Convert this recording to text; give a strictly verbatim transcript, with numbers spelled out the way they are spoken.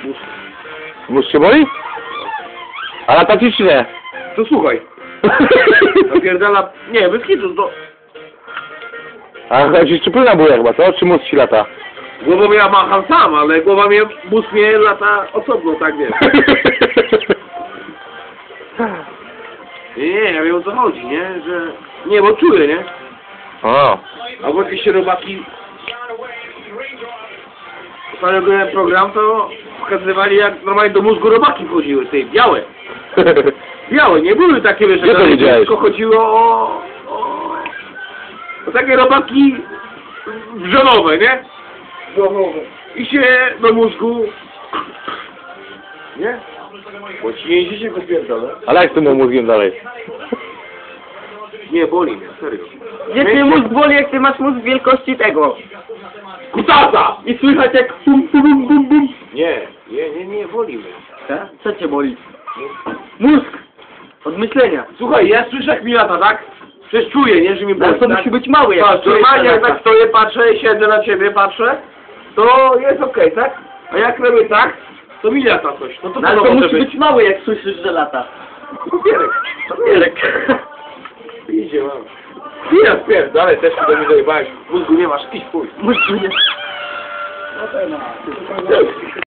Mózg się boli? A lata ci czy nie? To słuchaj. Napierdala... Nie, bez kitu, to... A chodzi czy płyna buja chyba, co? Czy mózg ci lata? Głową ja macham sam, ale głowa mnie... Mózg mnie lata osobno, tak wiesz. Nie, nie, ja wiem o co chodzi, nie? Że... Nie, bo czuję, nie? O. Albo jakieś robaki... Ostatnio oglądałem program, to pokazywali jak normalnie do mózgu robaki wchodziły, tej białe. Białe, nie były takie, wiesz, Gdzie to widziałeś? tylko chodziło o, o, o takie robaki wrzonowe, nie? Wrzonowe. I się do mózgu... Nie? Bo ci nie się go pierdolę. Ale jak z tym mózgiem dalej? Nie, boli mnie, serio. Gdzie ty mózg boli, jak ty masz mózg wielkości tego? Kutasa! I słychać jak bum bum bum bum bum. Nie, nie, nie, nie, boli mnie. Tak? Co cię boli? Mózg! Od myślenia. Słuchaj, ja słyszę jak mi lata, tak? Przecież czuję, nie, że mi boli. Ale to tak? musi być mały jak Patrz, czujesz normalnie jak lata. tak stoję, patrzę, siedzę na ciebie, patrzę, to jest okej, tak? A jak robię tak, to mi lata coś. No to No, ale co to może musi być? być mały jak słyszysz, że lata. Papierek. Papierek. Idzie, mam. Ja spierdolę, też się do mnie dojebałeś. W mózgu nie masz, idź chuj. Mózg nie.